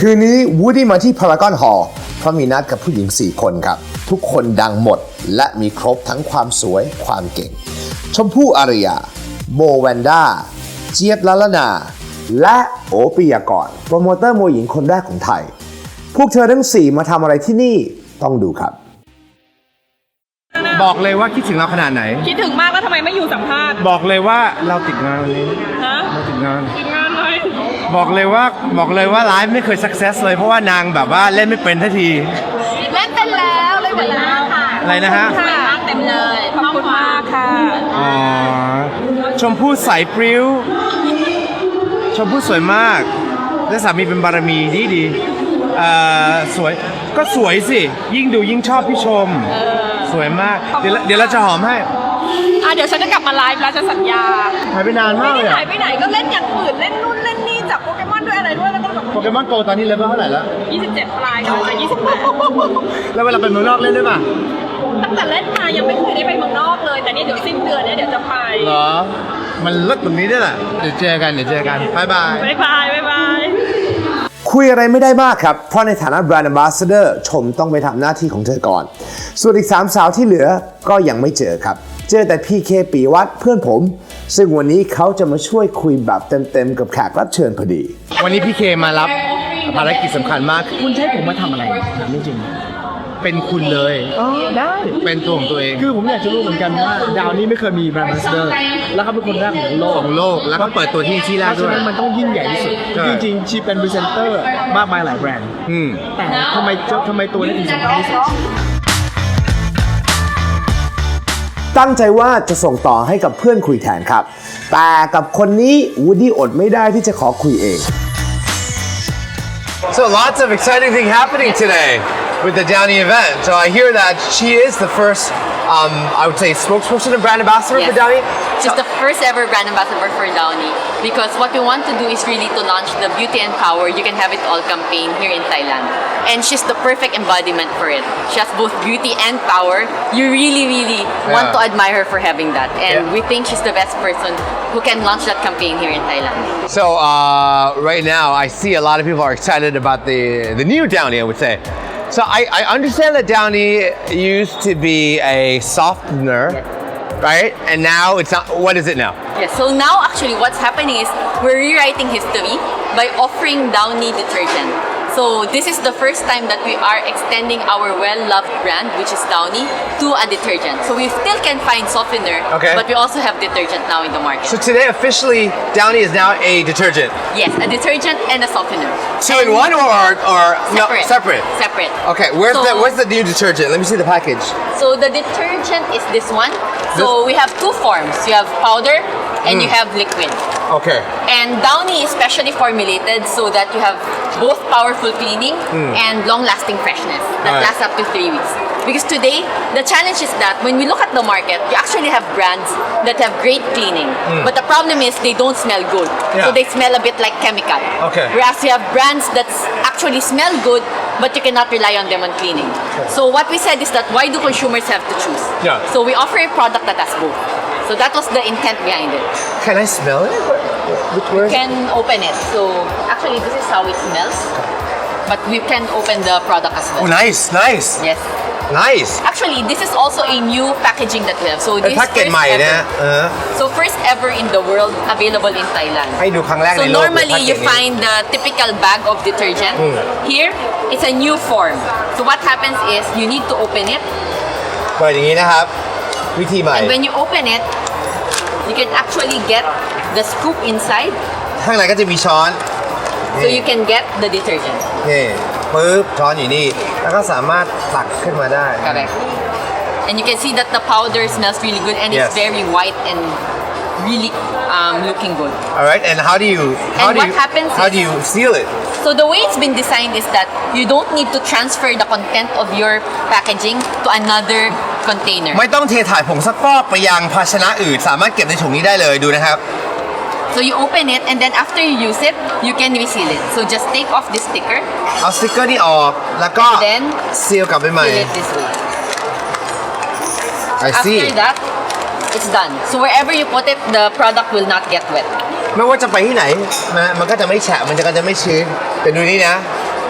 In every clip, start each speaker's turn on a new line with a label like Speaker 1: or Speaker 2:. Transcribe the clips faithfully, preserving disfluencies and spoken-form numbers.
Speaker 1: คืนนี้วูดดี้มาที่พารากอนฮอลล์เพราะมีนัดกับผู้หญิงสี่คนครับทุกคนดังหมดและมีครบทั้งความสวยความเก่งชมพู่อารยาโบแวนด้าเจี๊ยบละละนาและโอปิยากรโปรโมเตอร์มวยหญิงคนแรกของไทยพวกเธอทั้งสี่มาทำอะไรที่นี่ต้องดูครับบอกเลยว่าคิดถึงเราขนาดไหน
Speaker 2: คิดถึงมากแล้วทำไมไม่อยู่สัมภาษณ์
Speaker 1: บอกเลยว่าเราติดงานวันนี้
Speaker 2: ฮะ
Speaker 1: เราติดงาน
Speaker 2: ติดงานเลย
Speaker 1: บอกเลยว่าบอกเลยว่าไลฟ์ไม่เคยสักเซสเลยเพราะว่านางแบบว่าเล่นไม่เป็นทันที
Speaker 2: เล่นเป็นแล้วเล่นเป็นแล้วค่ะ
Speaker 1: อะไรนะฮะ
Speaker 2: สวยมากเต็มเลยขอบคุณมากค่ะ
Speaker 1: อ๋อชมพู่ใสปริ้วชมพู่สวยมากและสามีเป็นบารมีดีดีเอ่อสวยก็สวยสิยิ่งดูยิ่งชอบพี่ชมสวยมากเดี๋ยวเดี๋ยวเราจะหอมให้
Speaker 2: อ่ะเดี๋ยวฉันจะกลับมาไลฟ์แล้วจะสัญญา
Speaker 1: หายไปนานมากเลย
Speaker 2: ไม่ได้หายไปไหนก็เล่นอย่างอื่นเล่นนู่นเล่นนี่จับโปเกมอนด้วยอะไรด้วยแล้วก็แบบ
Speaker 1: โปเกมอนโกตอนนี้เลเวลเท่าไหร่แล้ว
Speaker 2: ยี่สิบเจ็ดปลายกำลังจะยี่สิบแปด
Speaker 1: แล้วเวลาไปเมืองนอกเล่นได้ป่ะ
Speaker 2: ตั้งแต่เล่นมายังไม่เคยได้ไปเมืองนอกเลยแต่นี่เดี๋ยวสิ้นเดือนเนี่ยเดี๋ยวจะไป
Speaker 1: เหรอมันเลิศตรงนี้ด้วยแหละเดี๋ยวเจอกันเดี๋ยวเจอกันบ๊ายบาย
Speaker 2: บ๊ายบายบ๊ายบาย
Speaker 1: คุยอะไรไม่ได้มากครับเพราะในฐานะแบรนด์ Ambassador ชมต้องไปทำหน้าที่ของเธอก่อนส่วนอีกสามสาวที่เหลือก็ยังไม่เจอครับเจอแต่พีเคปีวัฒน์เพื่อนผมซึ่งวันนี้เขาจะมาช่วยคุยแบบเต็มๆกับแขกรับเชิญพอดีวันนี้พี่เคมารับภารกิจสำคัญมาก
Speaker 3: คุณใช้ผมมาทำอะไรถามจริง
Speaker 1: เป็นคุณเลย
Speaker 3: อ๋อได้
Speaker 1: เป็นตัวของตัวเอง
Speaker 3: คือผมอยากจะรู้เหมือนกันว่าดาวนี้ไม่เคยมีแบรนด์ Ambassador แล้วเขาเป็นคนแรกของโลก
Speaker 1: ของโลกแล้วก็เปิดตัวที่ที่แรกด้วย
Speaker 3: เพราะฉะนั้นมันต้องยิ่งใหญ่ที่สุดจริงๆชีเป็นพรีเซนเตอร์มากมายหลายแบรนด์แต่ทำไมทำไมตัวนี้ถึงสำคัญที่สุด
Speaker 1: ตั้งใจว่าจะส่งต่อให้กับเพื่อนคุยแทนครับแต่กับคนนี้วูดดี้อดไม่ได้ที่จะขอคุยเอง So lots of exciting things happening today with the Downy event. So I hear that she is the first, um, I would say, spokesperson and brand ambassador
Speaker 4: yes.
Speaker 1: for Downy.
Speaker 4: She's the first ever brand ambassador for Downy because what we want to do is really to launch the Beauty and Power, You Can Have It All campaign here in Thailand. And she's the perfect embodiment for it. She has both beauty and power. You really, really yeah. want to admire her for having that. And yeah. we think she's the best person who can launch that campaign here in Thailand.
Speaker 1: So uh, right now, I see a lot of people are excited about the, the new Downy, I would say. So I, I understand that Downy used to be a softener, yes. right? And now it's not, what is it now?
Speaker 4: Yes, so now actually what's happening is we're rewriting history by offering Downy detergent. So this is the first time that we are extending our well-loved brand, which is Downy, to a detergent. So we still can find softener,
Speaker 1: okay.
Speaker 4: but we also have detergent now in the market.
Speaker 1: So today officially, Downy is now a detergent?
Speaker 4: Yes, a detergent and a softener.
Speaker 1: Two in one or, or
Speaker 4: separate.
Speaker 1: No, separate?
Speaker 4: Separate.
Speaker 1: Okay, where's,
Speaker 4: so,
Speaker 1: the, where's the new detergent? Let me see the package.
Speaker 4: So the detergent is this one. So this? we have two forms. You have powder and mm. you have liquid.
Speaker 1: Okay.
Speaker 4: And Downy is specially formulated so that you have both powerful cleaning mm. and long-lasting freshness that right. lasts up to three weeks. Because today, the challenge is that when we look at the market, you actually have brands that have great cleaning. Mm. But the problem is they don't smell good. Yeah. So they smell a bit like chemical.
Speaker 1: Okay.
Speaker 4: Whereas you have brands that actually smell good, but you cannot rely on them on cleaning. Okay. So what we said is that why do consumers have to choose?
Speaker 1: Yeah.
Speaker 4: So we offer a product that has both. So that was the intent behind it.
Speaker 1: Can I smell it? Which
Speaker 4: you can open it. So actually this is how it smells. But we can open the product as well.
Speaker 1: Oh, nice, nice.
Speaker 4: Yes.
Speaker 1: Nice.
Speaker 4: Actually, this is also a new packaging that we have. So this is first ever. Uh. So first ever in the world available in Thailand. So normally you find the typical bag of detergent. Mm. Here, it's a new form. So what happens is you need to open it.
Speaker 1: เปิดอย่างนี้นะครับวิธีใหม่
Speaker 4: And when you open it, you can actually get the scoop inside.
Speaker 1: ข้างในก็จะมีช้อน
Speaker 4: So you can get the detergent.
Speaker 1: นี่ปึ๊บช้อนอยู่นี่แล้วก็สามารถตักขึ้นมาได้
Speaker 4: Correct. And you can see that the powder smells really good and yes. it's very white and really um, looking good.
Speaker 1: All right, and how do you how
Speaker 4: and
Speaker 1: do
Speaker 4: what
Speaker 1: you
Speaker 4: happens
Speaker 1: how
Speaker 4: is,
Speaker 1: do you seal it?
Speaker 4: So the way it's been designed is that you don't need to transfer the content of your packaging to another container.
Speaker 1: ไม่ต้องเทถ่ายผงซักฟอกไปยังภาชนะอื่นสามารถเก็บในถุงนี้ได้เลยดูนะครับ
Speaker 4: So you open it and then after you use it, you can reseal it. So just take off this sticker.
Speaker 1: เอาสติ๊กเกอร์นี่ออกแล้วก็
Speaker 4: then
Speaker 1: ซีลกลับไปใหม่
Speaker 4: seal it this way.
Speaker 1: I see.
Speaker 4: After that, it's done. So wherever you put it, the product will not get wet.
Speaker 1: ไม่ว่าจะไปที่ไหนมันก็จะไม่แฉะมันก็จะไม่ชื้นแต่ดูนี่นะ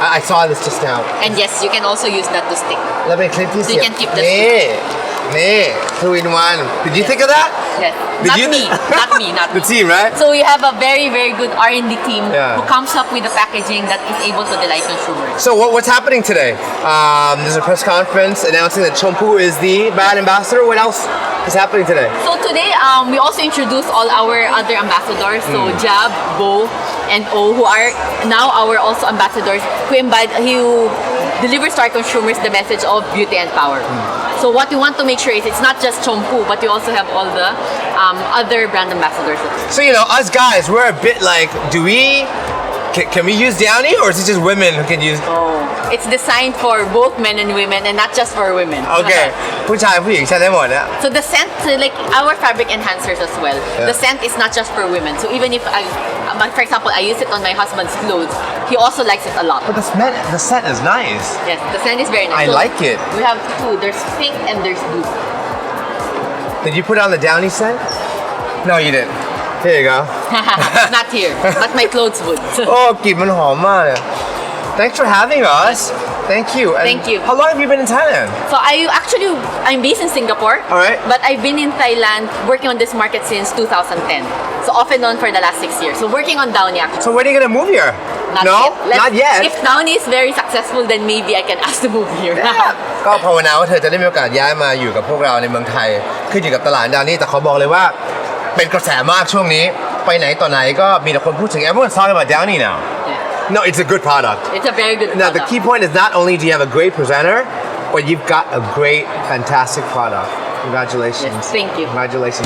Speaker 1: I, I saw this just now.
Speaker 4: And yes, you can also use that to stick.
Speaker 1: แล้วเป็นคลิปที่
Speaker 4: So
Speaker 1: เสี
Speaker 4: you
Speaker 1: ยบ
Speaker 4: can keep the
Speaker 1: นี่นี่ two in one Did you think of that
Speaker 4: Yes.
Speaker 1: Did
Speaker 4: Not
Speaker 1: you-
Speaker 4: me. Not me. Not
Speaker 1: The
Speaker 4: me.
Speaker 1: team right
Speaker 4: So we have a very, very good R and D team
Speaker 1: Yeah.
Speaker 4: who comes up with the packaging that is able to delight consumers.
Speaker 1: So what, what's happening today? Um, there's a press conference announcing that Chompu is the brand ambassador. What else is happening today?
Speaker 4: So today, um, we also introduced all our other ambassadors. So Jab, Bo, and O, who are now our also ambassadors, who embody, who delivers to our consumers the message of beauty and power. So what we want to make sure is it's not just Chompu, but we also have all the um, other brand ambassadors.
Speaker 1: So you know, us guys, we're a bit like, do we? Can, can we use Downy, or is it just women who can use?
Speaker 4: Oh. It's designed for both men and women, and not just for women.
Speaker 1: Okay. ผู้ชายผู้หญิงใช้ได้หมดนะ
Speaker 4: So the scent, so like our fabric enhancers as well.
Speaker 1: Yeah.
Speaker 4: The scent is not just for women. So even if I, um, for example, I use it on my husband's clothes, he also likes it a lot.
Speaker 1: But the scent, the scent is nice.
Speaker 4: Yes, the scent is very nice.
Speaker 1: I
Speaker 4: So
Speaker 1: like it.
Speaker 4: We have two. There's pink and there's blue.
Speaker 1: Did you put on the Downy scent? No, you didn't. Here you go.
Speaker 4: Not here, but my clothes would.
Speaker 1: โอ้กลิ่นมันหอมมากเลย Thanks for having us. Thank you. And
Speaker 4: Thank you.
Speaker 1: How long have you been in Thailand?
Speaker 4: So I actually, I'm based in Singapore.
Speaker 1: Alright.
Speaker 4: But I've been in Thailand working on this market since two thousand ten. So off and on for the last six years. So working on Downy actually.
Speaker 1: So when are you gonna move here?
Speaker 4: Not
Speaker 1: no,
Speaker 4: yet. Let's-
Speaker 1: not yet.
Speaker 4: If Downy is very successful, then maybe I can ask to move here.
Speaker 1: ก็ภาวนาว่าเธอจะได้มีโอกาสย้ายมาอยู่กับพวกเราในเมืองไทยขึ้นอยู่กับตลาดดาวนี่แต่เขาบอกเลยว่าเป็นกระแสมากช่วงนี้ไปไหนต่อไหนก็มีแต่คนพูดถึง everyone's talking about Downy now
Speaker 4: Yeah.
Speaker 1: no it's a good product
Speaker 4: It's a very good
Speaker 1: now the
Speaker 4: product.
Speaker 1: key point is not only do you have a great presenter but you've got a great fantastic product congratulations
Speaker 4: Yes, thank you.
Speaker 1: congratulations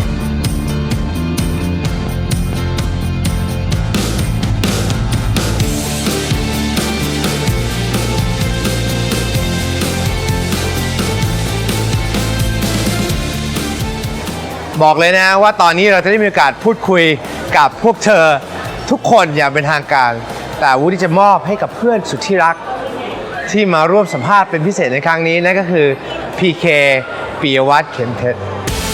Speaker 1: บอกเลยนะว่าตอนนี้เราจะได้มีโอกาสพูดคุยกับพวกเธอทุกคนอย่างเป็นทางการ แต่วูดดี้จะมอบให้กับเพื่อนสุดที่รักที่มาร่วมสัมภาษณ์เป็นพิเศษในครั้งนี้นั่นก็คือ พี เค ปิยวัฒน์เข็มเพชร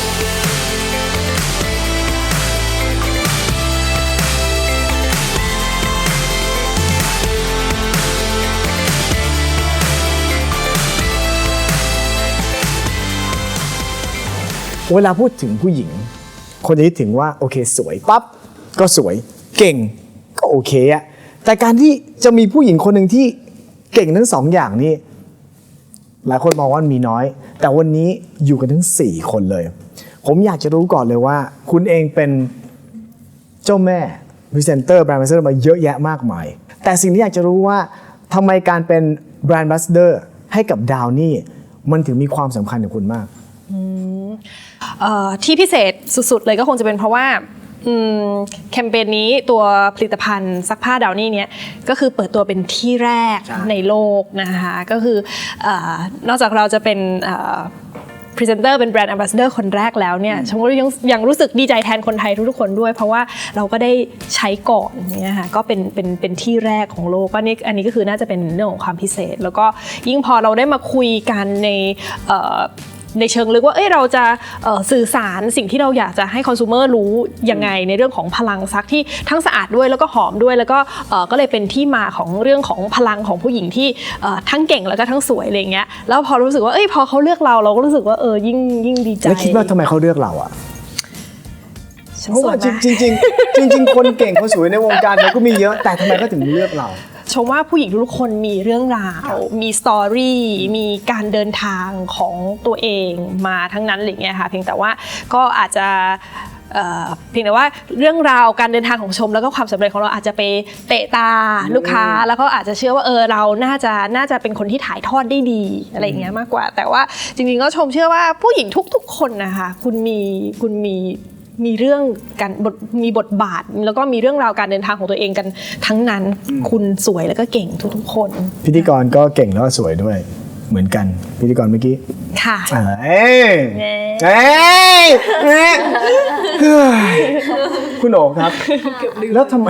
Speaker 3: เวลาพูดถึงผู้หญิง คนจะคิดถึงว่าโอเคสวยปั๊บก็สวยเก่งก็โอเคอะแต่การที่จะมีผู้หญิงคนหนึ่งที่เก่งทั้งสองอย่างนี่หลายคนมองว่ามีน้อย แต่วันนี้อยู่กันทั้งสี่คนเลย ผมอยากจะรู้ก่อนเลยว่า คุณเองเป็นเจ้าแม่พรีเซนเตอร์แบรนด์แอมบาสเดอร์มาเยอะแยะมากมาย แต่สิ่งที่อยากจะรู้ว่าทำไมการเป็นแบรนด์แอมบาสเดอร์ให้กับดาวนี่มันถึงมีความสำคัญกับคุณมาก
Speaker 2: เอ่อที่พิเศษสุดๆเลยก็คงจะเป็นเพราะว่าอืมแคมเปญนี้ตัวผลิตภัณฑ์ซักผ้าดาวนี่เนี่ยก็คือเปิดตัวเป็นที่แรกในโลกนะคะก็คือเอ่อนอกจากเราจะเป็นพรีเซนเตอร์เป็นแบรนด์แอมบาสเดอร์คนแรกแล้วเนี่ยฉันก็ยังยังรู้สึกดีใจแทนคนไทยทุกๆคนด้วย เพราะว่าเราก็ได้ใช้ก่อนเนี่ยค่ะก็เป็นเป็นเป็นที่แรกของโลกก็นี่อันนี้ก็คือน่าจะเป็นเรื่องของความพิเศษ แล้วก็ยิ่งพอเราได้มาคุยกันในเอ่อในเชิงลึกว่าเอ้ยเราจะเอ่อสื่อสารสิ่งที่เราอยากจะให้คอน sumer รู้ยังไงในเรื่องของพลังซักที่ทั้งสะอาดด้วยแล้วก็หอมด้วยแล้วก็เอ่อก็เลยเป็นที่มาของเรื่องของพลังของผู้หญิงที่เอ่อทั้งเก่งแล้วก็ทั้งสวยอะไรเงี้ยแล้วพอรู้สึกว่าเอ้ยพอเขาเลือกเราเราก็รู้สึกว่าเออยิ่งยิ่งดีใจ
Speaker 3: แล้วคิดว่าทำไมเขาเลือกเราอ่ะ
Speaker 2: ฉัน
Speaker 3: เพราะ
Speaker 2: สว
Speaker 3: ว่าย จ
Speaker 2: มาก
Speaker 3: ริงๆจริงๆจริงๆคนเก่งคนสวยในวงการมันก็มีเยอะแต่ทำไมเขาถึงเลือกเรา
Speaker 2: ชมว่าผู้หญิงทุกคนมีเรื่องราว มีสตอรี่ มีการเดินทางของตัวเองมาทั้งนั้นอะไรเงี้ยค่ะเพียงแต่ว่าก็อาจจะเอ่อเพียงแต่ว่าเรื่องราวการเดินทางของชมแล้วก็ความสำเร็จของเราอาจจะไปเตะตาลูกค้าแล้วก็อาจจะเชื่อว่าเออเราน่าจะน่าจะเป็นคนที่ถ่ายทอดได้ดีอะไรอย่างเงี้ยมากกว่า แต่ว่าจริงๆก็ชมเชื่อว่าผู้หญิงทุกๆคนนะคะคุณมีคุณมีมีเรื่องการบทมีบทบาทแล้วก็มีเรื่องราวการเดินทางของตัวเองกันทั้งนั้นคุณสวยแล้วก็เก่งทุกๆคน
Speaker 3: พิธีกรก็เก่งแล้วก็สวยด้วยเหมือนกันพิธีกรเมื่อกี้
Speaker 2: ค่ะ
Speaker 3: เอ้ยเอ้ยเอ้ยเฮ้ยคุณโอ๋ครับแล้วทำไม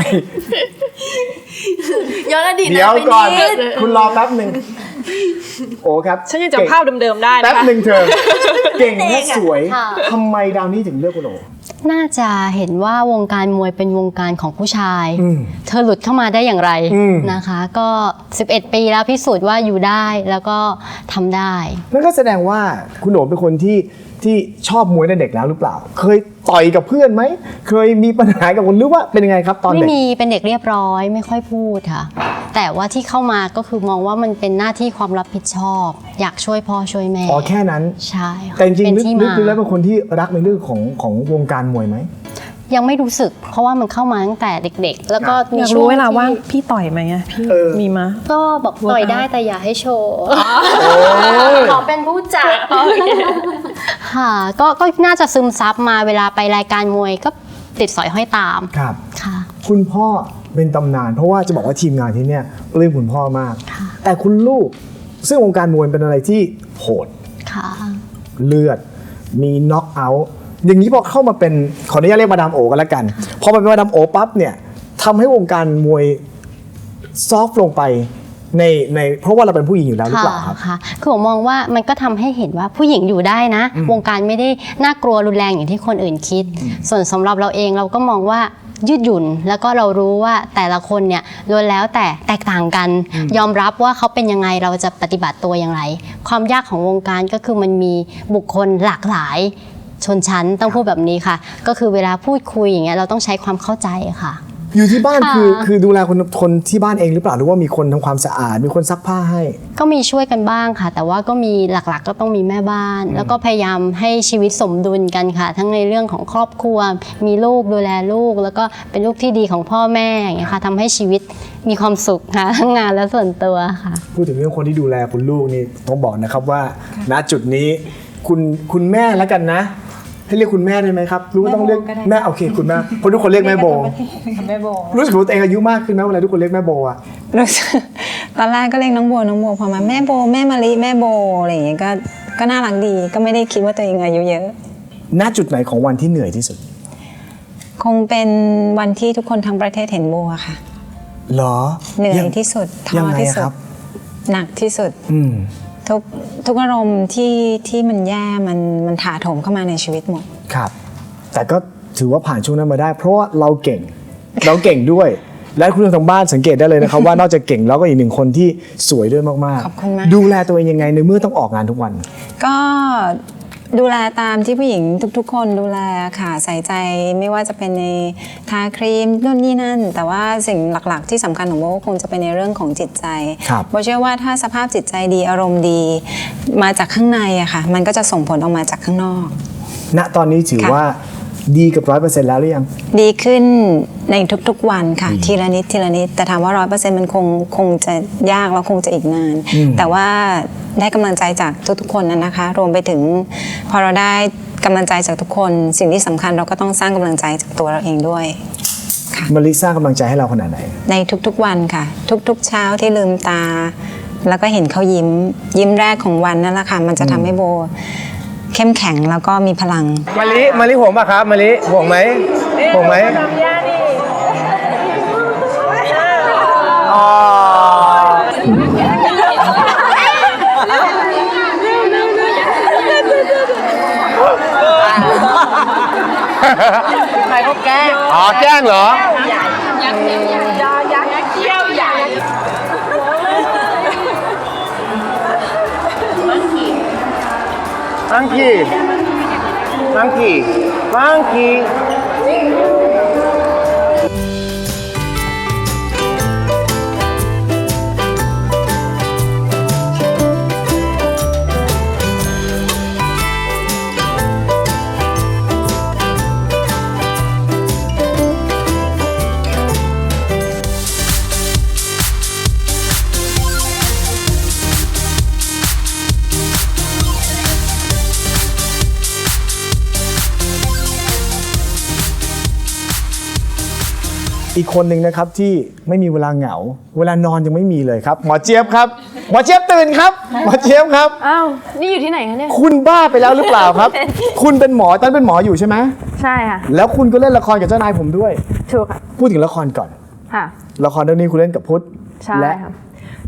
Speaker 4: ย้อนอดีต
Speaker 3: เดี๋ยวก่อน
Speaker 4: ไปด
Speaker 3: คุณรอแป๊บหนึ่งโอ้ครับ
Speaker 2: ฉันยังจำภาพเดิมๆได้นะคะ
Speaker 3: แป๊บหนึ่งเธอเก่งและสวยทำไมดาวนี่ถึงเลือกคุณโอ๋
Speaker 5: น่าจะเห็นว่าวงการมวยเป็นวงการของผู้ชาย
Speaker 3: อืม
Speaker 5: เธอหลุดเข้ามาได้อย่างไร
Speaker 3: อืม
Speaker 5: นะคะ ก็ สิบเอ็ด ปีแล้วพิสูจน์ว่าอยู่ได้แล้วก็ทำได้
Speaker 3: นั่นก็แสดงว่าคุณโหนเป็นคนที่ที่ชอบมวยตั้งแต่เด็กแล้วหรือเปล่า เคยต่อยกับเพื่อนไหมเคยมีปัญหากับคนหรือว่าเป็นยังไงครับตอน
Speaker 5: ไม่
Speaker 3: เด็ก
Speaker 5: มีเป็นเด็กเรียบร้อยไม่ค่อยพูดค่ะ แต่ว่าที่เข้ามาก็คือมองว่ามันเป็นหน้าที่ความรับผิดชอบ อยากช่วยพ่อช่วยแม่
Speaker 3: อ๋อแค่นั้น
Speaker 5: ใช่ค่ะ
Speaker 3: แต่จริง
Speaker 5: เป็น
Speaker 3: ๆลึก
Speaker 5: ที่
Speaker 3: ลึก
Speaker 5: มา
Speaker 3: ดูแล้วเป็นคนที่รักในเรื่องของของวงการมวยไหม
Speaker 5: ยังไม่รู้สึก เพราะว่ามันเข้ามาตั้งแต่เด็กๆ แล้วก็มี
Speaker 2: อยาก
Speaker 5: ช่ว
Speaker 2: รู้
Speaker 5: ง
Speaker 2: เวลาว่าง
Speaker 5: ที่
Speaker 2: พี่ต่อยไหมอะพี่
Speaker 3: เออ
Speaker 2: มีมา
Speaker 5: ก็บอกต่อยได้แต่อย่าให้โชว์ขอเป็นผู้จัดค่ะก็ก็น่าจะซึมซับมาเวลาไปรายการมวยก็ติดสอยห้อยตาม
Speaker 3: ครับ
Speaker 5: ค่ะ
Speaker 3: คุณพ่อเป็นตำนาน เพราะว่าจะบอกว่าทีมงานที่เนี่ยปลื้มคุณพ่อมาก
Speaker 5: ค่ะ
Speaker 3: แต่คุณลูกซึ่งวงการมวยเป็นอะไรที่โหด
Speaker 5: ค่ะ
Speaker 3: เลือด มีน็อกเอาท์อย่างนี้พอเข้ามาเป็นขออนุญาตเรียกมาดามโอกันแล้วกัน พอมาเป็นมาดามโอปั๊บเนี่ยทำให้วงการมวยซอฟต์ลงไปในในเพราะว่าเราเป็นผู้หญิงอยู่แล้วหรือเปล่าครับ
Speaker 5: ค่ะคือผมมองว่ามันก็ทำให้เห็นว่าผู้หญิงอยู่ได้นะ วงการไม่ได้น่ากลัวรุนแรงอย่างที่คนอื่นคิด ส่วนสำหรับเราเองเราก็มองว่ายืดหยุ่น แล้วก็เรารู้ว่าแต่ละคนเนี่ยล้วนแล้วแต่แตกต่างกัน ยอมรับว่าเขาเป็นยังไงเราจะปฏิบัติตัวอย่างไร ความยากของวงการก็คือมันมีบุคคลหลากหลายชนชั้นต้องพูดแบบนี้ค่ะ ก็คือเวลาพูดคุยอย่างเงี้ยเราต้องใช้ความเข้าใจค่ะ
Speaker 3: อยู่ที่บ้าน
Speaker 5: ค่ะ
Speaker 3: คือคือดูแลคนคนที่บ้านเองหรือเปล่าหรือว่ามีคนทำความสะอาดมีคนซักผ้าให้
Speaker 5: ก็มีช่วยกันบ้างค่ะ แต่ว่าก็มีหลักๆก็ต้องมีแม่บ้าน แล้วก็พยายามให้ชีวิตสมดุลกันค่ะ ทั้งในเรื่องของครอบครัว มีลูกดูแลลูก แล้วก็เป็นลูกที่ดีของพ่อแม่อย่างเงี้ยค่ะทำให้ชีวิตมีความสุขค่ะทั้งงานและส่วนตัวค่ะ
Speaker 3: พูดถึงเรื่องคนที่ดูแลคุณลูกนี่ต้องบอกนะครับว่าณจุดนี้คุณคุณแม่แล้วกันนะ ให้เรียกคุณแม่ได้ไหมครับรู้ว่าต้องเรียกแม่โอเคคุณแม่เพราะทุกคนเรียกแม่โบ
Speaker 6: แม่โบ
Speaker 3: รู้สึกว่าตัวเองอายุมากขึ้นไหมเวลาทุกคนเรียกแม่โบอะ
Speaker 6: รู้สึกตอนแรกก็เรียกน้องโบน้องโบพอมาแม่โบแม่มะลิแม่โบอะไรอย่างเงี้ยก็ก็น่ารักดีก็ไม่ได้คิดว่าตัวเองอายุเยอะ
Speaker 3: ณจุดไหนของวันที่เหนื่อยที่สุด
Speaker 6: คงเป็นวันที่ทุกคนทั้งประเทศเห็นโบอะค่ะ
Speaker 3: เหรอ
Speaker 6: เหนื่อย
Speaker 3: ง
Speaker 6: ที่สุดท้
Speaker 3: ยัง
Speaker 6: อ
Speaker 3: ไง
Speaker 6: ที่
Speaker 3: อะ
Speaker 6: สุ
Speaker 3: ค
Speaker 6: ด
Speaker 3: รับ
Speaker 6: หนักที่สุด
Speaker 3: อืม
Speaker 6: ทุกทุกอารมณ์ที่ที่มันแย่มันมันถาโถมเข้ามาในชีวิตหมด
Speaker 3: ครับ แต่ก็ถือว่าผ่านช่วงนั้นมาได้ เพราะว่าเราเก่ง เราเก่งด้วย และคุณผู้ชมทางบ้านสังเกตได้เลยนะครับ ว่านอกจากเก่งแล้วก็อีกหนึ่งคนที่สวยด้วยมาก
Speaker 6: ขอบคุณมาก
Speaker 3: ดูแลตัวเองยังไงในเมื่อต้องออกงานทุกวัน
Speaker 6: ก็ดูแลตามที่ผู้หญิงทุกๆ คนดูแลค่ะใส่ใจไม่ว่าจะเป็นในทาครีมนู่นนี่นั่น แต่ว่าสิ่งหลักๆ ที่สำคัญของโบก็คงจะเป็นในเรื่องของจิตใจ
Speaker 3: ครับ
Speaker 6: โบเชื่อว่าถ้าสภาพจิตใจดีอารมณ์ดี มาจากข้างในอะค่ะ มันก็จะส่งผลออกมาจากข้างนอก
Speaker 3: ณตอนนี้ถือ
Speaker 6: ค่ะ
Speaker 3: ว่าดีกับร้อยเปอร์เซ็นต์แล้วหรือยัง
Speaker 6: ดีขึ้นในทุกๆวันค่ะ ทีละนิดทีละนิดแต่ถามว่าร้อยเปอร์เซ็นต์มันคงคงจะยากแล้วคงจะอีกนาน
Speaker 3: อืม
Speaker 6: แต่ว่าได้กำลังใจจากทุกๆคนนะนะคะ รวมไปถึงพอเราได้กำลังใจจากทุกคน สิ่งที่สำคัญเราก็ต้องสร้างกำลังใจจากตัวเราเองด้วย
Speaker 3: มาริสร้างกำลังใจให้เราขนาดไหน
Speaker 6: ในทุกๆวันค่ะ ทุกๆเช้าที่ลืมตา แล้วก็เห็นเขายิ้ม ยิ้มแรกของวันนั่นแหละค่ะมันจะทำให้โบเข้มแข็งแล้วก็มีพลัง
Speaker 3: มาริมาริห่วงป่ะครับมาริห่วงไหมห่วงไหมอ๋อใครเขาแกล้งอ๋อแกล้งเหรอMonkey. Monkey. Monkey. อีกคนหนึ่งนะครับที่ไม่มีเวลาเหงา เวลานอนยังไม่มีเลยครับ หมอเจี๊ยบครับ หมอเจี๊ยบตื่นครับ หมอเจี๊ยบครับ
Speaker 7: อ้าว นี่อยู่ที่ไหนคะเนี่ย
Speaker 3: คุณบ้าไปแล้วหรือเปล่าครับ คุณเป็นหมอตอนนนเป็นหมออยู่ใช่ไหม
Speaker 7: ใช่ค่ะ
Speaker 3: แล้วคุณก็เล่นละครกับเจ้านายผมด้วย
Speaker 7: ถูกค่ะ
Speaker 3: พูดถึงละครก่อน
Speaker 7: ค่ะ
Speaker 3: ละครเรื่องนี้คุณเล่นกับพุทธ
Speaker 7: ใช่
Speaker 3: และ
Speaker 7: ค่ะ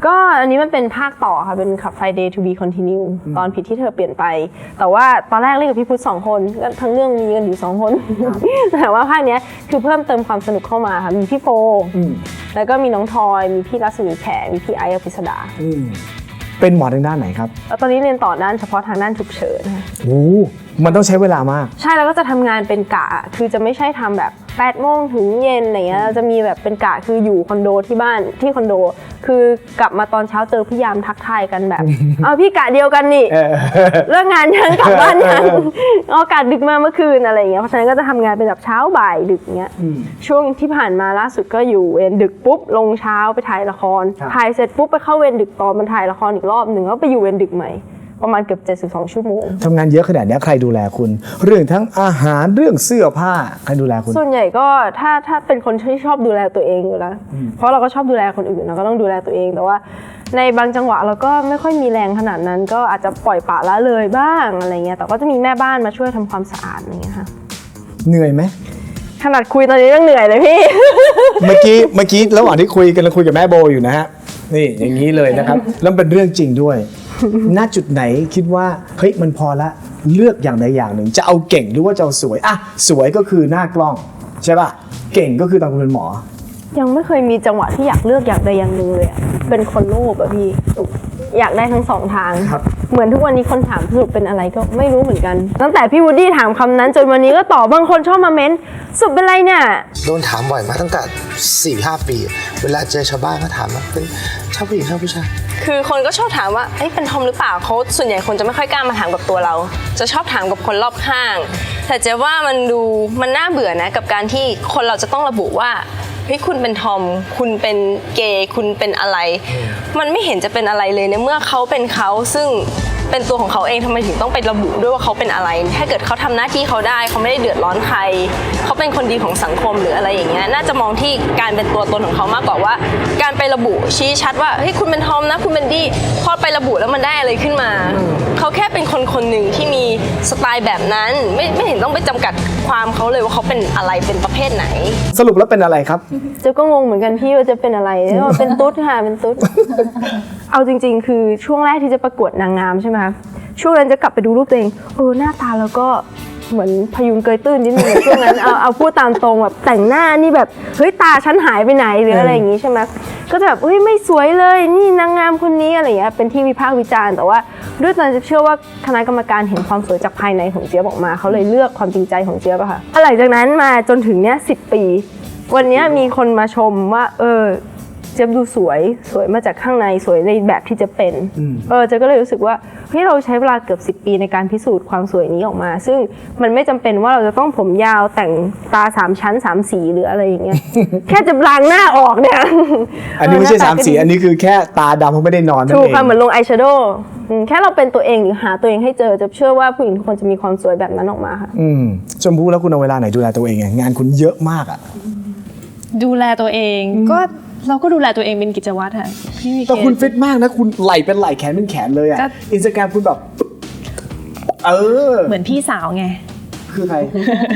Speaker 7: ก็อันนี้มันเป็นภาคต่อค่ะเป็นขับ Friday to be continue ตอนผิดที่เธอเปลี่ยนไป แต่ว่าตอนแรกเล่นกับพี่พุทธสองคนก็ทั้งเรื่องมีกันอยู่สองคน แต่ว่าภาคเนี้ยคือเพิ่มเติมความสนุกเข้ามาค่ะมีพี่โฟแล้วก็มีน้องทอยมีพี่รัศมีแขมีพี่ไอซ์อภิสดา
Speaker 3: เป็นหมอทางด้านไหนครับ
Speaker 7: แล้วตอนนี้เรียนต่อด้านเฉพาะทางด้านฉุกเฉินค่ะ
Speaker 3: โอ้มันต้องใช้เวลามาก
Speaker 7: ใช่แล้วก็จะทำงานเป็นกะคือจะไม่ใช่ทำแบบแปดโมงถึงเย็นอะไรเงี้ยเราจะมีแบบเป็นกะคืออยู่คอนโดที่บ้านที่คอนโด คือกลับมาตอนเช้าเจอพี่ยามทักทายกันแบบ เอาพี่กะเดียวกันนี่เลิกงานยังกลับบ้านยังเอากะดึกมาเมื่อคืนอะไรเงี้ยเพราะฉะนั้นก็จะทำงานเป็นแบบเช้าบ่ายดึกเงี้ยช่วงที่ผ่านมาล่าสุดก็อยู่เวรดึกปุ๊บลงเช้าไปถ่ายละครถ่ายเสร็จปุ๊บไปเข้าเวรดึกต่อมันถ่ายละครอีกรอบหนึ่งแล้วไปอยู่เวรดึกใหม่ประมาณเกือบเจ็ดสิบสองชั่วโมง
Speaker 3: ทำงานเยอะขนาดนี้ใครดูแลคุณ เรื่องทั้งอาหารเรื่องเสื้อผ้าใครดูแลคุณ
Speaker 7: ส่วนใหญ่ก็ถ้าถ้าเป็นคนที่ชอบดูแลตัวเองอยู่แล้วเพราะเราก็ชอบดูแลคนอื่นเราก็ต้องดูแลตัวเองแต่ว่าในบางจังหวะเราก็ไม่ค่อยมีแรงขนาดนั้นก็อาจจะปล่อยปละละเลยบ้างอะไรเงี้ยแต่ก็จะมีแม่บ้านมาช่วยทำความสะอาดอะไรเงี้ยค่ะ
Speaker 3: เหนื่อยไหม
Speaker 7: ขนาดคุยตอนนี้ยังเหนื่อยเลยพี่
Speaker 3: เมื่อกี้เมื่อกี้ระหว่างที่คุยกันเราคุยกับแม่โบอยู่นะฮะนี่อย่างนี้เลยนะครับแล้วเป็นเรื่องจริงด้วยณจุดไหนคิดว่าเฮ้ยมันพอละเลือกอย่างใดอย่างหนึ่งจะเอาเก่งหรือว่าจะเอาสวยอ่ะสวยก็คือหน้ากล้องใช่ป่ะเก่งก็คือตอนคุณเป็นหมอ
Speaker 7: ยังไม่เคยมีจังหวะที่อยากเลือกอย่างใดอย่างหนึ่งเลยอะเป็นคนโลภอะพี่อยากได้ทั้งสองทางเหมือนทุกวันนี้คนถามสรุปเป็นอะไรก็ไม่รู้เหมือนกันตั้งแต่พี่วูดดี้ถามคำนั้นจนวันนี้ก็ตอบบางคนชอบมาเม้นสรุปเป็นไรเนี่ย
Speaker 1: โดนถามบ่อยมาตั้งแต่ สี่ห้า ปีเวลาเจอชาวบ้านก็ถามว่าเป็นชอบผู้หญิงชอบผู้ชาย
Speaker 8: คือคนก็ชอบถามว่าเอ้ยเป็นทอมหรือเปล่าเขาส่วนใหญ่คนจะไม่ค่อยกล้ามาถามกับตัวเราจะชอบถามกับคนรอบข้างแต่เจ๊ว่ามันดูมันน่าเบื่อนะกับการที่คนเราจะต้องระบุว่าเฮ้ยคุณเป็นทอมคุณเป็นเกย์คุณเป็นอะไรมันไม่เห็นจะเป็นอะไรเลยในเมื่อเขาเป็นเขาซึ่งเป็นตัวของเขาเองทำไมถึงต้องไประบุด้วยว่าเขาเป็นอะไรถ้าเกิดเขาทำหน้าที่เขาได้เขาไม่ได้เดือดร้อนใครเขาเป็นคนดีของสังคมหรืออะไรอย่างเงี้ยน่าจะมองที่การเป็นตัวตนของเขามากกว่าว่าการไประบุชี้ชัดว่าเฮ้ยคุณเป็นทอมนะคุณเป็นดี้พอไประบุแล้วมันได้อะไรขึ้นมาเขาแค่เป็นคนคนหนึ่งที่มีสไตล์แบบนั้นไม่ไม่เห็นต้องไปจำกัดความเขาเลยว่าเขาเป็นอะไรเป็นประเภทไหน
Speaker 3: สรุปแล้วเป็นอะไรครับ
Speaker 7: เจ๊ก็งงเหมือนกันพี่ว่าจะเป็นอะไรเป็นตุ๊ดค่ะเป็นตุ๊ดเอาจริงๆคือช่วงแรกที่จะประกวดนางงามใช่ไหมคะช่วงนั้นจะกลับไปดูรูปตัวเองเออหน้าตาแล้วก็เหมือนพยุงเกยตื้นนิดนึงช่วงนั้นเอาเอาพูดตามตรงแบบแต่งหน้านี่แบบเฮ้ยตาฉันหายไปไหนหรืออะไรอย่างงี้ใช่ไหมก็จะแบบเฮ้ยไม่สวยเลยนี่นางงามคนนี้อะไรอย่างเงี้ยเป็นที่วิพากษ์วิจารณ์แต่ว่าด้วยตอนจะเชื่อว่าคณะกรรมการเห็นความสวยจากภายในของเจี๊ยบออกมาเขาเลยเลือกความจริงใจของเจี๊ยบอะค่ะหลังจากนั้นมาจนถึงเนี้ยสิบปีวันนี้มีคนมาชมว่าเออเจ๊ดูสวยสวยมาจากข้างในสวยในแบบที่จะเป็นเออเจ๊ก็เลยรู้สึกว่าเฮ้ยเราใช้เวลาเกือบสิบปีในการพิสูจน์ความสวยนี้ออกมาซึ่งมันไม่จำเป็นว่าเราจะต้องผมยาวแต่งตาสามชั้นสามสีหรืออะไรอย่างเงี้ย แค่จะล้างหน้าออกเนี่ย
Speaker 3: อันนี้ไม่ใช่สามสีอันนี้คือแค่ตาดำเพราะไม่ได้นอนนั่นเอง
Speaker 7: ถูกค่ะเหมือนลงอายแชโดว์แค่เราเป็นตัวเองหรือหาตัวเองให้เจอจะเชื่อว่าผู้หญิงทุกคนจะมีความสวยแบบนั้นออกมาค่ะ
Speaker 3: อืมชมพู่แล้วคุณเอาเวลาไหนดูแลตัวเองงานคุณเยอะมากอ่ะ
Speaker 2: ดูแลตัวเองก็เราก็ดูแลตัวเองเป็นกิจวัตรค่ะ
Speaker 3: พี่มีแต่คุณฟิตมากนะคุณไหล่เป็นไหล่แขนเป็นแขนเลยอ่ะอินสตาแกรมคุณแบบเออ
Speaker 2: เหมือนพี่สาวไง
Speaker 3: คือใคร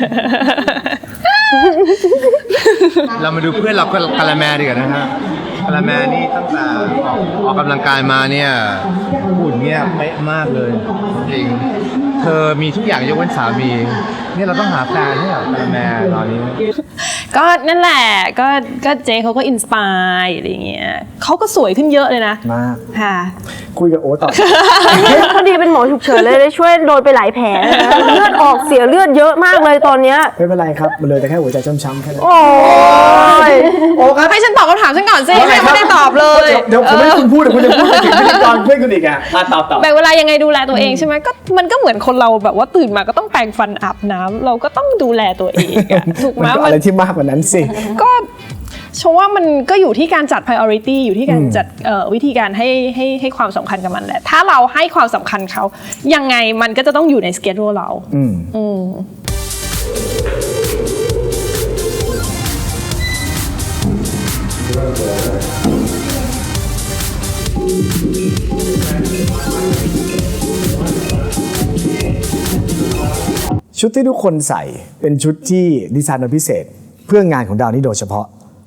Speaker 9: เรามาดูเพื่อนเรากาลาแมดีกว่านะฮะกาลาแมนี่ตั้งแต่ออกกำลังกายมาเนี่ยหุ่นเนี่ยเป๊ะมากเลยจริงเธอมีทุกอย่างยกเว้นสามีเนี่ยเราต้องหาแฟนให้กับกาลาแมตอนนี้
Speaker 2: ก็นั่นแหละก็ก็เจเขาก็อินสปายอะไรเงี้ยเขาก็สวยขึ้นเยอะเลยนะ
Speaker 3: มาก
Speaker 2: ค่ะ
Speaker 3: คุยกับโอ๊ตต่อ
Speaker 7: เขาดีเป็นหมอฉุกเฉินเลยได้ช่วยโดนไปหลายแผลเลือดออกเสียเลือดเยอะมากเลยตอนเนี้ย
Speaker 3: ไม่เป็นไรครับมันเลยแต่แค่หัวใจช้ำๆแค่นั้น
Speaker 7: โอ้ย
Speaker 2: โอ้ครับให้ฉันตอบคำถามฉันก่อนสิไม่ได้ตอบเลย
Speaker 3: เดี๋ยวผมไม่คุณพูดเดี๋ยวคุณจะพูดถึงพิธีกรเพื่อนคุณอีกอ่ะตอบตอบ
Speaker 2: แบ่งเวลายังไงดูแลตัวเองใช่ไหมก็มันก็เหมือนคนเราแบบว่าตื่นมาก็ต้องแปรงฟันอาบน้ำเราก็ต้องดูแลตัวเองถูกไหม
Speaker 3: มันอะไรที่มากกว่านั้นสิ
Speaker 2: ก็ชมว่ามันก็อยู่ที่การจัด priority อยู่ที่การจัดวิธีการให้ให้ให้ความสำคัญกับมันแหละถ้าเราให้ความสำคัญเขายังไงมันก็จะต้องอยู่ใน schedule เราอืมอืม
Speaker 3: ชุดที่ทุกคนใส่เป็นชุดที่ดีไซน์มาพิเศษเพื่องานของดาวนี้โดยเฉพาะ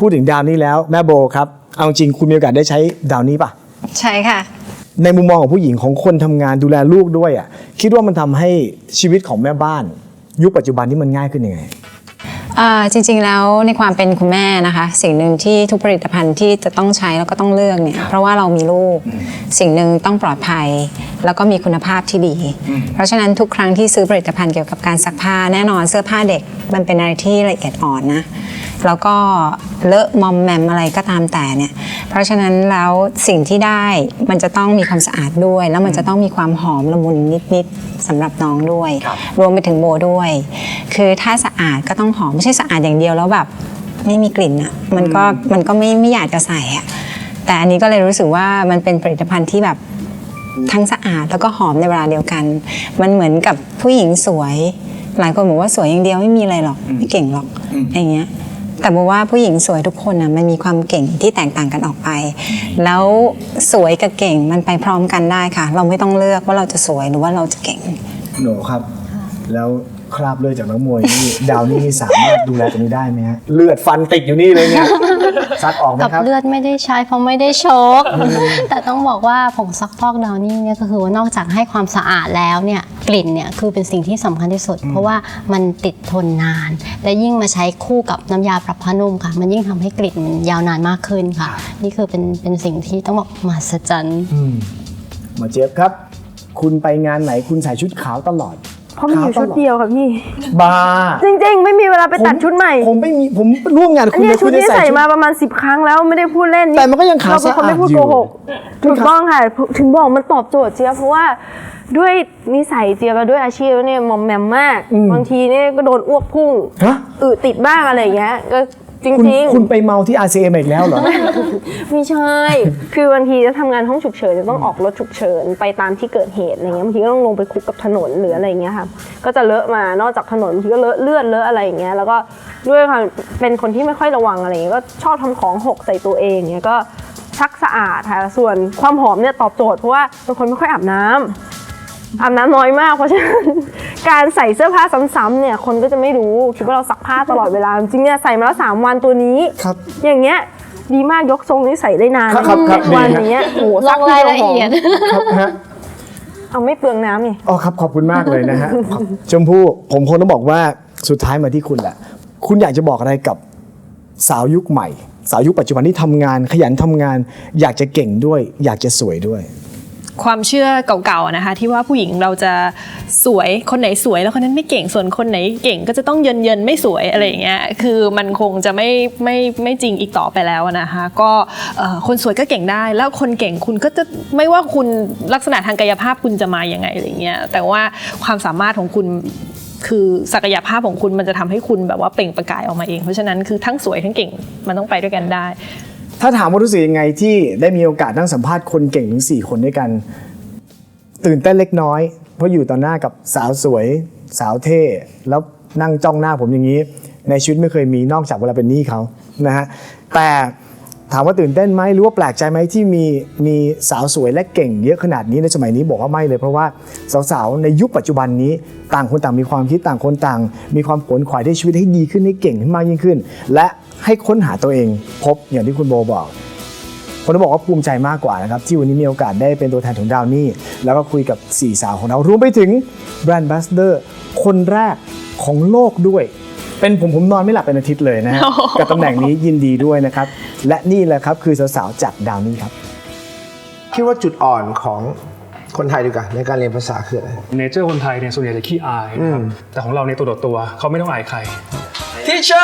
Speaker 3: พูดถึงดาวนี่แล้วแม่โบครับเอาจริงคุณมีโอกาสได้ใช้ดาวนี่ป่ะ
Speaker 6: ใช่ค่ะ
Speaker 3: ในมุมมองของผู้หญิงของคนทำงานดูแลลูกด้วยอ่ะคิดว่ามันทำให้ชีวิตของแม่บ้านยุคปัจจุบันที่มันง่ายขึ้นยังไง
Speaker 6: อ่าจริงๆแล้วในความเป็นคุณแม่นะคะสิ่งหนึ่งที่ทุกผลิตภัณฑ์ที่จะต้องใช้แล้วก็ต้องเลือกเนี่ยเพราะว่าเรามีลูกสิ่งหนึ่งต้องปลอดภัยแล้วก็มีคุณภาพที่ดี เพราะฉะนั้นทุกครั้งที่ซื้อผลิตภัณฑ์เกี่ยวกับการซักผ้าแน่นอนเสื้อผ้าเด็กมันเป็นอะไรที่ละเอียดอ่อนนะแล้วก็เลอะมอมแมมอะไรก็ตามแต่เนี่ยเพราะฉะนั้นแล้วสิ่งที่ได้มันจะต้องมีความสะอาดด้วยแล้วมันจะต้องมีความหอมละมุนนิดๆสำหรับน้องด้วยรวมไปถึงโบด้วยคือถ้าสะอาดก็ต้องหอมไม่ใช่สะอาดอย่างเดียวแล้วแบบไม่มีกลิ่นอ่ะมันก็มันก็ไม่ไม่อยากจะใส่อ่ะแต่อันนี้ก็เลยรู้สึกว่ามันเป็นผลิตภัณฑ์ที่แบบทั้งสะอาดแล้วก็หอมในเวลาเดียวกันมันเหมือนกับผู้หญิงสวยหลายคนบอกว่าสวยอย่างเดียวไม่มีอะไรหรอกไม่เก่งหรอกอย่างเงี้ยแต่บอกว่าผู้หญิงสวยทุกคนนะมันมีความเก่งที่แตกต่างกันออกไปแล้วสวยกับเก่งมันไปพร้อมกันได้ค่ะเราไม่ต้องเลือกว่าเราจะสวยหรือว่าเราจะเก่ง
Speaker 3: หนูครับแล้วคราบเลือดจากนักมวยนี่ ดาวนี่สามารถดูแลตรงนี้ได้ไหมฮะเลือดฟันติดอยู่นี่เลยเนี่ยซักออกไหม
Speaker 5: กับ
Speaker 3: ครับ
Speaker 5: เลือดไม่ได้ใช้เพราะไม่ได้ชก แต่ต้องบอกว่าผงซักฟอกดาวนี่เนี่ยก็คือว่านอกจากให้ความสะอาดแล้วเนี่ยกลิ่นเนี่ยคือเป็นสิ่งที่สำคัญที่สุด เพราะว่ามันติดทนนาน และยิ่งมาใช้คู่กับน้ำยาปรับผ้านุ่มค่ะมันยิ่งทำให้กลิ่นมันยาวนานมากขึ้นค่ะนี่คือเป็นเป็นสิ่งที่ต้องบอกมหัศจรรย์
Speaker 3: หมอเจี๊ยบครับคุณไปงานไหนคุณใส่ชุดขาวตลอด
Speaker 7: เพราะมีอยู่ชุดเดียวค่ะพี่
Speaker 3: บ้า
Speaker 7: จริงๆไม่มีเวลาไปตัดชุดใหม่
Speaker 3: ผมไม่มีผมร่วมงานคุณ
Speaker 7: เนี่ยชุดนี้ใส่มาประมาณสิบครั้งแล้วไม่ได้พูดเล่น
Speaker 3: แต่มันก็ยังขาวสะอาดอยู่เราเป็นคนไม่
Speaker 7: พูดโกหกถูกต้องค่ะถึงบอกมันตอบโจทย์เจี๊ยบเพราะว่าด้วยนิสัยเจี๊ยบด้วยอาชีพเนี่ยมอมแมมมากบางทีเนี่ยก็โดนอ้วกพุ่งอึติดบ้างอะไรอย่างเงี้ยก็จริง
Speaker 3: ๆคุณไปเมาที่ อาร์ ซี เอ็ม อีกแล้วเหรอ
Speaker 7: ไม่ใช่คือบางทีจะทำงานห้องฉุกเฉินจะต้องออกรถฉุกเฉินไปตามที่เกิดเหตุอะไรเงี้ยบางทีก็ต้องลงไปคุกกับถนนหรืออะไรเงี้ยค่ะก็จะเลอะมานอกจากถนนบางทีก็เลอะเลือดเลอะอะไรอย่างเงี้ยแล้วก็ด้วยความเป็นคนที่ไม่ค่อยระวังอะไรเงี้ยก็ชอบทำของหกใส่ตัวเองเงี้ยก็ซักสะอาดค่ะส่วนความหอมเนี่ยตอบโจทย์เพราะว่าเป็นคนไม่ค่อยอาบน้ำอาบน้ำน้อยมากเพราะฉะนั้นการใส่เสื้อผ้าซ้ำๆเนี่ยคนก็จะไม่รู้คิดว่าเราซักผ้าตลอดเวลาจริงๆเนี่ยใส่มาแล้วสามวันตัวนี้อย่างเงี้ยดีมากยกทรงนี้ใส่ได้นานวันอย่างเงี้ยโอ้
Speaker 5: ลงรายละเอียด
Speaker 7: เอาไม่เปลืองน้ำไง
Speaker 3: อ๋อครับขอบคุณมากเลยนะฮะชมพู่ผมคงต้องบอกว่าสุดท้ายมาที่คุณแหละคุณอยากจะบอกอะไรกับสาวยุคใหม่สาวยุคปัจจุบันที่ทำงานขยันทำงานอยากจะเก่งด้วยอยากจะสวยด้วย
Speaker 2: ความเชื่อเก่าๆนะคะที่ว่าผู้หญิงเราจะสวยคนไหนสวยแล้วคนนั้นไม่เก่งส่วนคนไหนเก่งก็จะต้องเยินเยินไม่สวยอะไรอย่างเงี้ยคือมันคงจะไม่ไม่ไม่จริงอีกต่อไปแล้วนะคะก็คนสวยก็เก่งได้แล้วคนเก่งคุณก็จะไม่ว่าคุณลักษณะทางกายภาพคุณจะมาอย่างไงอะไรเงี้ยแต่ว่าความสามารถของคุณคือศักยภาพของคุณมันจะทำให้คุณแบบว่าเปล่งประกายออกมาเองเพราะฉะนั้นคือทั้งสวยทั้งเก่งมันต้องไปด้วยกันได้
Speaker 3: ถ้าถามว่ารู้สึกยังไงที่ได้มีโอกาสนั่งสัมภาษณ์คนเก่งถึงสี่คนด้วยกันตื่นเต้นเล็กน้อยเพราะอยู่ต่อหน้ากับสาวสวยสาวเท่แล้วนั่งจ้องหน้าผมอย่างนี้ในชีวิตไม่เคยมีนอกจากเวลาเป็นหนี้เขานะฮะแต่ถามว่าตื่นเต้นไหมหรือว่าแปลกใจไหมที่มีมีสาวสวยและเก่งเยอะขนาดนี้ในสมัยนี้บอกว่าไม่เลยเพราะว่าสาวๆในยุคปัจจุบันนี้ต่างคนต่างมีความคิดต่างคนต่างมีความขวนขวายในชีวิตให้ดีขึ้นให้เก่งขึ้นมากยิ่งขึ้นและให้ค้นหาตัวเองพบอย่างที่คุณโบบอกผมต้องบอกว่าภูมิใจมากกว่านะครับที่วันนี้มีโอกาสได้เป็นตัวแทนของดาวนี่แล้วก็คุยกับสี่สาวของเรารวมไปถึงแบรนด์แอมบาสเดอร์คนแรกของโลกด้วยเป็นผมผมนอนไม่หลับเป็นอาทิตย์เลยนะฮะ กับตำแหน่งนี้ยินดีด้วยนะครับและนี่แหละครับคือสาวๆจากดาวนี่ครับ
Speaker 1: คิดว่าจุดอ่อนของคนไทยดีกว่าในการเรียนภาษาคืออะไร
Speaker 10: เนเจอร์คนไทยเนี่ยส่วนใหญ่จะขี้อายนะครับแต่ของเราในตัวต่อตัวเขาไม่ต้องอายใคร
Speaker 11: Teacher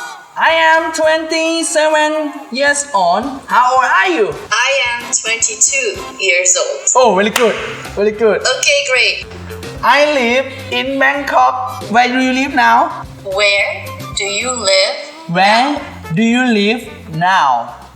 Speaker 11: I am twenty-seven years old. How old are you?
Speaker 12: I am twenty-two years old.
Speaker 11: Oh, very good. Very good.
Speaker 12: Okay, great.
Speaker 11: I live in Bangkok. Where do you live now?
Speaker 12: Where do you live?
Speaker 11: Where do you live now?